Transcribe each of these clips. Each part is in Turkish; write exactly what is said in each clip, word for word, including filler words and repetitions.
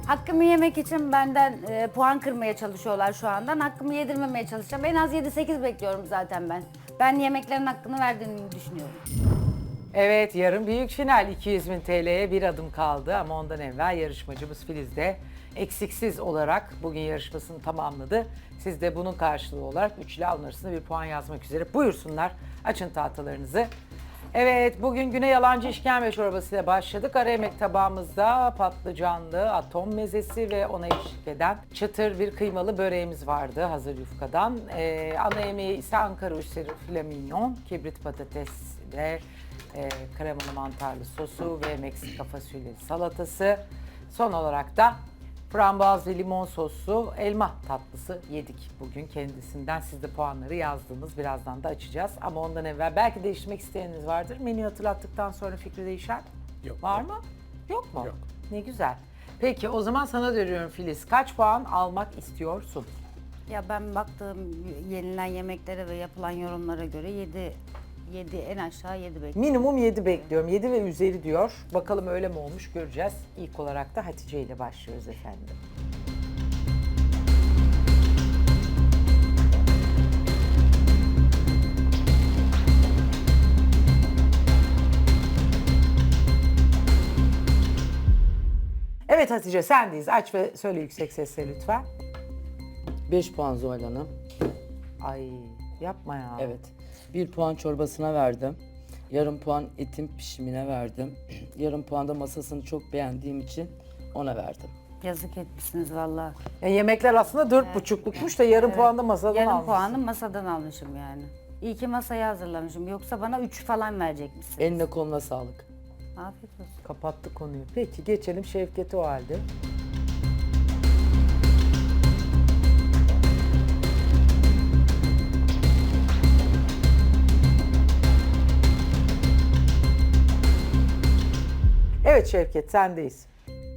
Hakkımı yemek için benden e, puan kırmaya çalışıyorlar şu andan. Hakkımı yedirmemeye çalışacağım. En az yedi sekiz bekliyorum zaten ben. Ben yemeklerin hakkını verdiğimi düşünüyorum. Evet, yarın büyük final iki yüz bin T L'ye bir adım kaldı ama ondan evvel yarışmacımız Filiz de eksiksiz olarak bugün yarışmasını tamamladı. Siz de bunun karşılığı olarak üç ile alın bir puan yazmak üzere. Buyursunlar, açın tahtalarınızı. Evet, bugün güne yalancı işkembe çorbasıyla başladık. Ara yemek tabağımızda patlıcanlı atom mezesi ve ona eşlik eden çıtır bir kıymalı böreğimiz vardı hazır yufkadan. Ee, ana yemeği ise Ankara usulü filet mignon, kibrit patates ve e, kremalı mantarlı sosu ve Meksika fasulyeli salatası. Son olarak da frambuaz ve limon soslu elma tatlısı yedik bugün kendisinden. Siz de puanları yazdınız. Birazdan da açacağız. Ama ondan evvel belki değiştirmek isteyeniniz vardır. Menüyü hatırlattıktan sonra fikri değişen Yok. var mı? Yok mu? Yok. Ne güzel. Peki o zaman sana dönüyorum Filiz. Kaç puan almak istiyorsun? Ya ben baktığım yenilen yemeklere ve yapılan yorumlara göre yedi, yedi en aşağı yedi bekliyorum. Minimum yedi bekliyorum. yedi ve üzeri diyor. Bakalım öyle mi olmuş göreceğiz. İlk olarak da Hatice ile başlıyoruz efendim. Evet Hatice sendeyiz. Aç ve söyle yüksek sesle lütfen. beş puan Zuhal Hanım. Ay yapma ya. Evet. bir puan çorbasına verdim. Yarım puan etin pişimine verdim. Yarım puan da masasını çok beğendiğim için ona verdim. Yazık etmişsiniz vallahi. Ya yemekler aslında dört buçuklukmuş da yarım puan da masadan Yarım almışsın. puanı masadan almışım yani. İyi ki masayı hazırlamışım. Yoksa bana üç falan verecekmişsin. Eline koluna sağlık. Afiyet olsun. Kapattık konuyu. Peki geçelim Şevket'e o halde. Evet Şevket sendeyiz.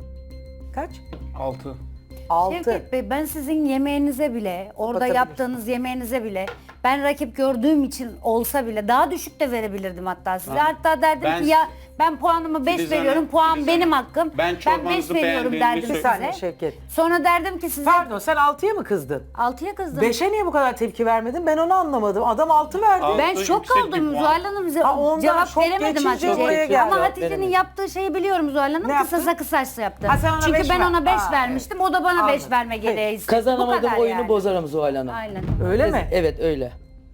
Kaç? altı. Altı. Şevket Bey, ben sizin yemeğinize bile, orada Kapatabilirsin. yaptığınız yemeğinize bile ben rakip gördüğüm için olsa bile daha düşük de verebilirdim hatta size. Hatta derdim Ben- ki ya ben puanımı beş Filiz veriyorum, Hanım, puan Filiz benim Hanım, hakkım. ben beş çorbanızı veriyorum beğendiğimi derdim Bir söyle- saniye size. Şevket. Sonra derdim ki size Pardon sen altıya mı kızdın? altıya kızdım. Beşe niye bu kadar tepki vermedin? Ben onu anlamadım. Adam altı verdi. Altı Ben şok yüksek bir kaldım puan. Zuhal Hanım. Ha, ondan Cevap şok veremedim geçince Hatice'ye. buraya geldi. Ama Cevap Hatice'nin veremedim. yaptığı şeyi biliyorum Zuhal Hanım. Ne Kısasa yaptın? kısasa yaptı. Ha, sen ona Çünkü beş ben ver- ona beş Aa, vermiştim. O da bana Anladım. beş verme gereği Peki. istedi. Bu Kazanamadım kadar oyunu yani. bozarım Zuhal Hanım. Aynen. Öyle mi? Evet öyle.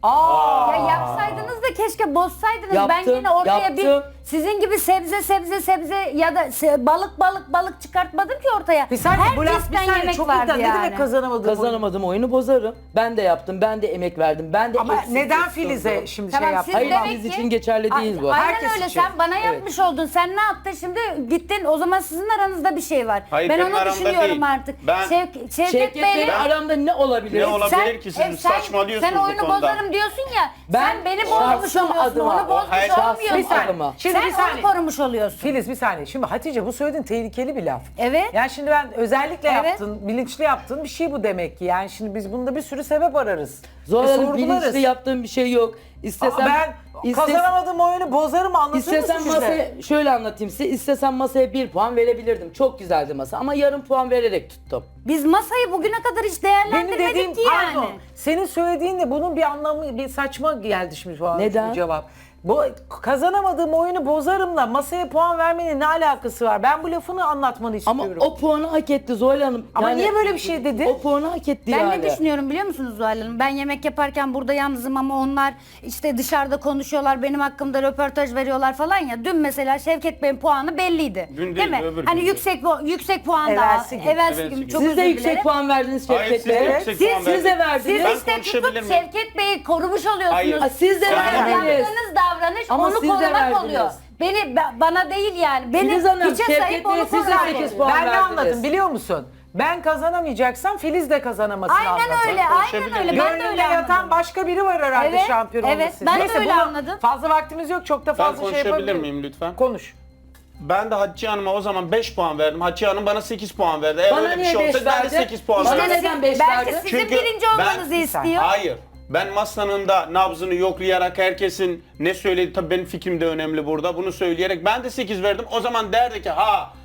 Aa. Ya yapsaydınız da keşke bozsaydınız. ben Yaptım, yine ortaya yaptım. bir sizin gibi sebze sebze sebze ya da se- balık balık balık çıkartmadım ki ortaya. Bir saniye bu laf bir Herkesten saniye yemek çok vardı iddia. Ne yani. demek kazanamadım? Kazanamadım oyunu bozarım. Ben de yaptım. Ben de emek verdim. Ben de Ama eksik neden sundum. Filiz'e şimdi Tamam, şey yaptın? siz Hayır demek biz ki- için geçerli değil bu. Aynen Herkes öyle için. sen bana yapmış oldun. Sen ne yaptın şimdi gittin o zaman sizin aranızda bir şey var. Hayır, ben benim onu aramda düşünüyorum değil. artık. Ben- Şevk, Şevket, Şevket Bey'le Bey'le aramda ne olabilir? Ne olabilir ki? Siz saçmalıyorsunuz sen bu oyunu konuda. bozarım diyorsun ya. Ben sen beni bozmuş şahsım oluyorsun. adıma- Onu bozmuş Hayır, şahsım olmuyorsun. Bir saniye. adıma. Şimdi sen bir saniye. onu korumuş oluyorsun. Filiz bir saniye. Şimdi Hatice bu söylediğin tehlikeli bir laf. Evet. Yani şimdi ben özellikle Evet. yaptın, bilinçli yaptığın bir şey bu demek ki. Yani şimdi biz bunda bir sürü sebep ararız. Zuhal Ve Hanım sorgularız. bilinçli yaptığım bir şey yok. İstesem, Aa, ben istes- kazanamadığım oyunu bozarım anlatır İstesem mısın bize? masaya, şöyle anlatayım size, istesem masaya bir puan verebilirdim. Çok güzeldi masa ama yarım puan vererek tuttum. Biz masayı bugüne kadar hiç Benim değerlendirmedik dediğim ki yani. pardon. Senin söylediğin de bunun bir anlamı bir saçma geldi şimdi şu an Neden? bu cevap. Bu kazanamadığım oyunu bozarımla masaya puan vermenin ne alakası var? Ben bu lafını anlatmanı Ama istiyorum. o puanı hak etti Zuhal Hanım. Ama niye böyle bir şey dedi? O puanı hak etti Ben yani. ne düşünüyorum biliyor musunuz Zuhal Hanım? Ben yemek yaparken burada yalnızım ama onlar işte dışarıda konuşuyorlar, benim hakkımda röportaj veriyorlar falan ya. Dün mesela Şevket Bey'in puanı belliydi. Dün değil değil, mi? öbür hani gün. yüksek pu- yüksek puan Evvelsi daha. gün. Evvelsi Evvelsi gün. gün. Çok Siz özür de dilerim. yüksek puan verdiniz Hayır, Şevket siz de Bey. yüksek Siz, puan siz de verdiniz. verdiniz. siz Ben işte konuşabilir tutup miyim? Şevket Bey'i korumuş oluyorsunuz. Hayır. Aa, siz de Sizin verdiniz. yaptığınız davranış Ama onu siz de korumak verdiniz. oluyor. Beni ba- bana değil yani. Beni Filiz Hanım, hiçe Şevket sayıp Bey'e onu siz de korumak sekiz oluyor. puan Ben ne verdiniz. anladım biliyor musun? Ben kazanamayacaksam Filiz de kazanamasını Aynen anladım. öyle, aynen konuşabilir öyle. miyim? Ben de Gönlünde öyle yatan anladım. başka biri var herhalde Evet, şampiyon evet. olması için. Ben de Neyse, öyle bunu- anladım. Fazla vaktimiz yok. Çok da Ben fazla şey konuşabilir yapabilirim. miyim lütfen? Konuş. Ben de Hatice Hanım'a o zaman beş puan verdim. Hatice Hanım bana sekiz puan verdi. Eğer Bana öyle bir niye şey beş olsa ben de verdi? sekiz puan Bana verdim. neden beş Belki verdi? sizin Çünkü birinci ben- olmanızı Bir saniye. istiyor. Hayır. Ben masanın da nabzını yoklayarak herkesin ne söyledi tabii benim fikrim de önemli burada. Bunu söyleyerek ben de sekiz verdim. O zaman derdi ki ha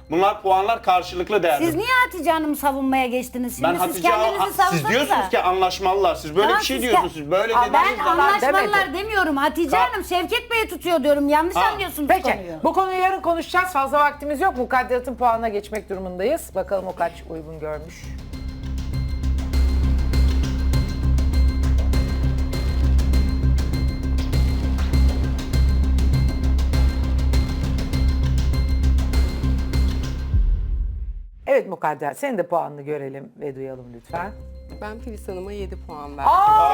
Bunlar puanlar karşılıklı değerli. Siz niye Hatice Hanım'ı savunmaya geçtiniz şimdi? Ben siz Hatice kendinizi Hanım- savunsanıza. siz diyorsunuz ki anlaşmalılar. Siz böyle Tamam, bir şey siz diyorsunuz. ke- Siz böyle Aa, dediğiniz ben zaman anlaşmalılar demedi. demiyorum. Hatice Ka- Hanım Şevket Bey'i tutuyor diyorum. Yanlış Ha. anlıyorsunuz Peki konuyu. bu konuyu yarın konuşacağız. Fazla vaktimiz yok. Mukadderatın puanına geçmek durumundayız. Bakalım o kaç uygun görmüş. Evet Mukadder, senin de puanını görelim ve duyalım lütfen. Ben Filiz Hanım'a yedi puan verdim.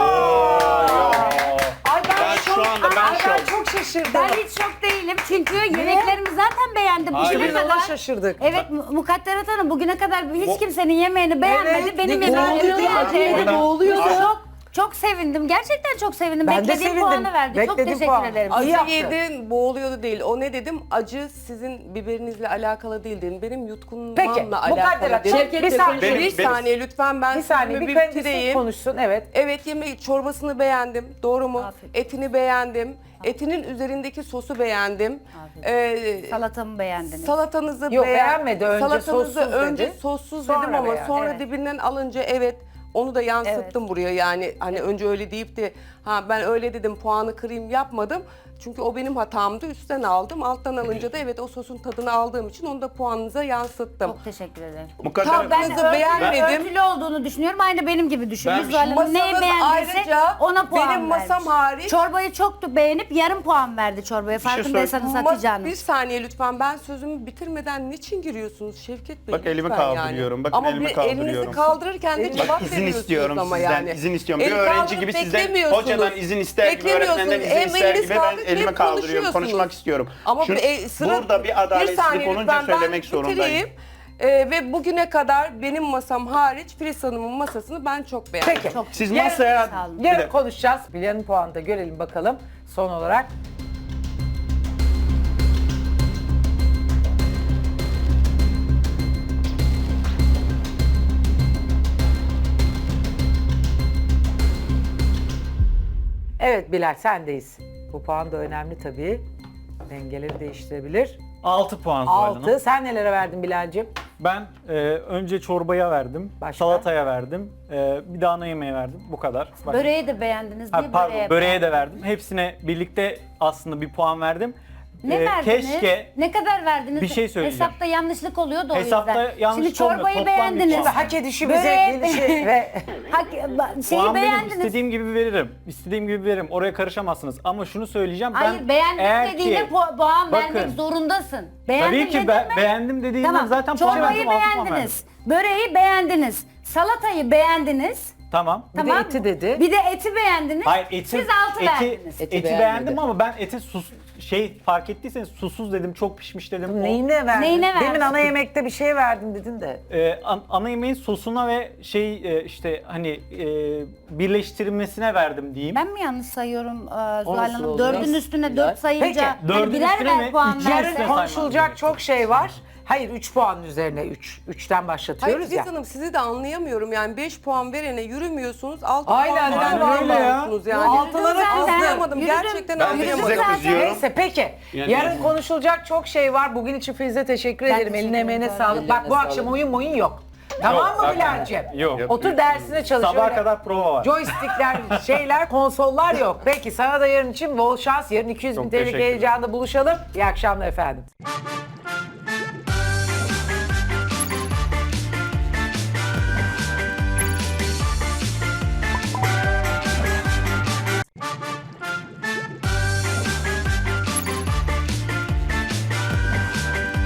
Ay ben, Ben çok, şu anda ben ay, ben şok. çok şaşırdım. Ben hiç şok değilim çünkü yemeklerimi zaten beğendim. Hayır. Bugüne Biz ona kadar. şaşırdık. Evet Mu- Mukadderat Hanım bugüne kadar hiç Bu- kimsenin yemeğini beğenmedi. Evet, Benim ne yemeğimi boğuluyordu beğendi. ya, orada boğuluyordu. Çok çok sevindim. Gerçekten çok sevindim. Ben de Beklediğim sevindim. puanı verdi. Çok Beklediğim teşekkür puan. ederim. Ay, Acı yaptı. yedin, boğuluyordu değil. O ne dedim? Acı sizin biberinizle alakalı değil dedim. Benim Peki, yutkunmamla Mukadder alakalı Hanım, dedim. Şevket bir saniye. Benim- bir benim- saniye lütfen ben Bir saniye sözümü bir kendisi bitireyim. konuşsun, evet. Evet yemeği çorbasını beğendim. Doğru mu? Afiyet. Etini beğendim. Etinin üzerindeki sosu beğendim. Ee, Salatamı beğendiniz. Salatanızı Yok, beğen- beğenmedi. Önce Salatanızı sossuz önce dedi. sossuz Sonra dedim ama beğen- sonra evet. dibinden alınca evet onu da yansıttım buraya yani hani önce öyle deyip de ha ben öyle dedim puanı kırayım yapmadım. Çünkü o benim hatamdı. Üstten aldım. Alttan alınca da evet o sosun tadını aldığım için onu da puanınıza yansıttım. Çok teşekkür ederim. Mukadder Tabii, Ben Kızı örtülü, beğenmedim. örtülü olduğunu düşünüyorum. Aynı benim gibi düşünün. Ben- Zuhal Hanım neyi Masanız beğendiyse ayrıca ona puan benim masam vermiş. hariç- Çorbayı çok beğenip yarım puan verdi çorbaya. şey Farkındaysanız Ma- Hatice Hanım. Bir saniye lütfen ben sözümü bitirmeden niçin giriyorsunuz Şevket Bey? Bak elimi lütfen kaldırıyorum, bakın ama elimi bir kaldırıyorum. elinizi kaldırırken de cevap izin veriyorsunuz istiyorum ama sizden. yani. İzin istiyorum. Bir El öğrenci kaldırıp gibi sizden beklemiyorsunuz. hocadan izin ister gibi, Beklemiyorsunuz. öğretmenden izin Hem ister eliniz gibi ben kaldırıp elimi hem kaldırıyorum. konuşuyorsunuz. Konuşmak istiyorum. Ama Şimdi e, sıra- burada bir adaletsizlik saniye olunca lütfen, ben söylemek zorundayım. bitireyim. Ee, ve bugüne kadar benim masam hariç Filiz Hanım'ın masasını ben çok beğendim. Peki. Çok Siz Yarın- masaya... Sağ olun. Bir Yarın dakika. konuşacağız. Bilya'nın puanını da görelim bakalım son olarak. Evet Bilal sendeyiz. Bu puan da önemli tabii. Dengeleri değiştirebilir. altı puan Zuhal Hanım. altı. Sen nelere verdin Bilal'cim? Ben e, önce çorbaya verdim, Başka? salataya verdim, e, bir de ana yemeğe verdim. Bu kadar. Bak- Böreği de beğendiniz. Ha, Niye pardon, böreğe, böreğe de beğendiniz? verdim. Hepsine birlikte aslında bir puan verdim. Ne E, verdiniz? Keşke Ne kadar verdiniz? Bir şey söyleyeceğim. Hesapta yanlışlık oluyor da o Hesapta yüzden. yanlış Şimdi olmuyor. çorbayı Toplam bir beğendiniz. puan. Hak edişimize Böreğe- gelişi ve Hak, ba- şeyi puan benim, beğendiniz. istediğim gibi veririm. İstediğim gibi veririm. Oraya karışamazsınız. Ama şunu söyleyeceğim. Hayır ben beğendim eğer dediğinde ki, pu- puan bakın, vermek zorundasın. Beğendim Tabii ki dedin be- mi? beğendim dediğimden Tamam. zaten puan Çorbayı verdim. altı puan verdim. beğendiniz. Böreği beğendiniz. Salatayı beğendiniz. Tamam. Bir de Tamam. eti dedi. Bir de eti beğendiniz. Hayır eti, Siz altı eti, verdiniz. eti, Eti beğendim beğenmedi. ama ben eti sus şey fark ettiyseniz susuz dedim, çok pişmiş dedim. O- Neyine verdin? Neyine Demin verdin? ana yemekte bir şey verdin dedin de. Ee, an- ana yemeğin sosuna ve şey e, işte hani e, birleştirilmesine verdim diyeyim. Ben mi yanlış sayıyorum e, Zuhal nasıl Hanım? oluyor? Dördün üstüne Güzel. dört sayınca Peki, hani dördün birer üstüne ver mi? puan Üç verse. yarın Yarın saymam konuşulacak gerekiyor. çok şey var. Hayır üç puanın üzerine üç. üçten Hayır başlatıyoruz Filiz ya. Hanım sizi de anlayamıyorum yani beş puan verene yürümüyorsunuz altı Aynen, puan aynen verene öyle ya. bağırıyorsunuz yani. Altılara Yürüdüm zaten. Anlayamadım Yürüdüm. gerçekten Ben de Yürüdüm size anlayamadım. zaten. kızıyorum. Neyse peki. Yani- Yarın konuşulacak çok şey var. Bugün için Filiz'e teşekkür Ben ederim. teşekkür Eline emeğine ederim. sağlık. Bak bu Ellerine akşam sağlık. oyun oyun yok. Tamam mı zaten Bilal'cim? yok. Otur dersine çalış. Sabaha Öyle kadar prova var. Joystickler, şeyler, konsollar yok. Peki sana da yarın için bol şans. Yarın iki yüz bin Çok T L'lik teşekkürler. heyecanda buluşalım. İyi akşamlar efendim.